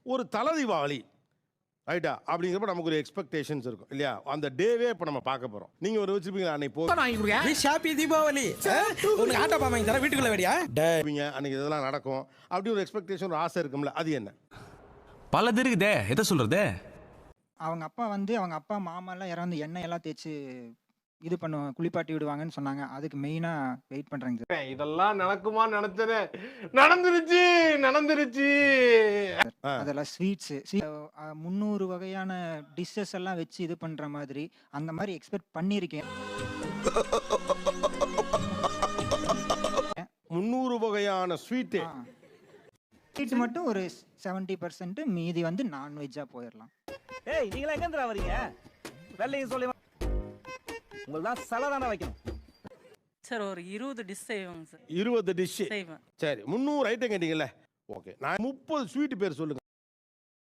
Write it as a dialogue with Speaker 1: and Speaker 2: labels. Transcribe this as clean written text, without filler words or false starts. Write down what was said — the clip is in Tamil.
Speaker 1: ஒரு தல தீபாவளி ரைட்டா அப்படிங்கிறப்ப நமக்கு ஒரு எக்ஸ்பெக்டேஷன்ஸ் இருக்கும் இல்லையா? அந்த டேவே இப்போ நம்ம பார்க்க போகிறோம். நீங்கள் ஒரு வச்சுருப்பீங்களா அன்னைக்கு
Speaker 2: ஹாப்பி தீபாவளி உனக்கு ஆட்டோ பாமாங்க தர வீட்டுக்குள்ள வேடியா
Speaker 1: அன்னைக்கு இதெல்லாம் நடக்கும் அப்படி ஒரு எக்ஸ்பெக்டேஷன் ஒரு ஆசை இருக்கும்ல, அது என்ன?
Speaker 3: பல இருக்குதே, எதை சொல்றது?
Speaker 4: அவங்க அப்பா வந்து அவங்க அப்பா மாமாலாம் இறந்து எண்ணெய் எல்லாம் தேய்ச்சி இது பண்ணுவாங்க, குளிப்பாட்டி விடுவாங்கன்னு சொன்னாங்க. அதுக்கு மெயினாக வெயிட் பண்ணுறாங்க சார்.
Speaker 5: இதெல்லாம் நடக்குமா நினைச்சது, நடந்துருச்சு.
Speaker 4: அதெல்லாம் ஸ்வீட்ஸு 300 வகையான டிஷ்ஷஸ் எல்லாம் வச்சு இது பண்ணுற மாதிரி அந்த மாதிரி எக்ஸ்பெக்ட் பண்ணியிருக்கேன்.
Speaker 1: 300 வகையான ஸ்வீட்டு
Speaker 4: ஸ்வீட்ஸ் மட்டும் ஒரு 70%, மீதி வந்து நான்வெஜ்ஜாக போயிடலாம்.
Speaker 2: ஏய் நீங்களா எங்க வரீங்க? வெள்ளையும் சொல்லி உங்களுக்கு தான் சலதான வைக்கணும்
Speaker 6: சார். ஒரு 20 டிஷ் செய்வாங்க சார்.
Speaker 1: 20 டிஷ்
Speaker 6: செய்வேன்.
Speaker 1: சரி, 300 ஐட்டம் கேட்டீங்கல்ல, ஓகே. நான் 30 ஸ்வீட் பேர் சொல்லுங்க.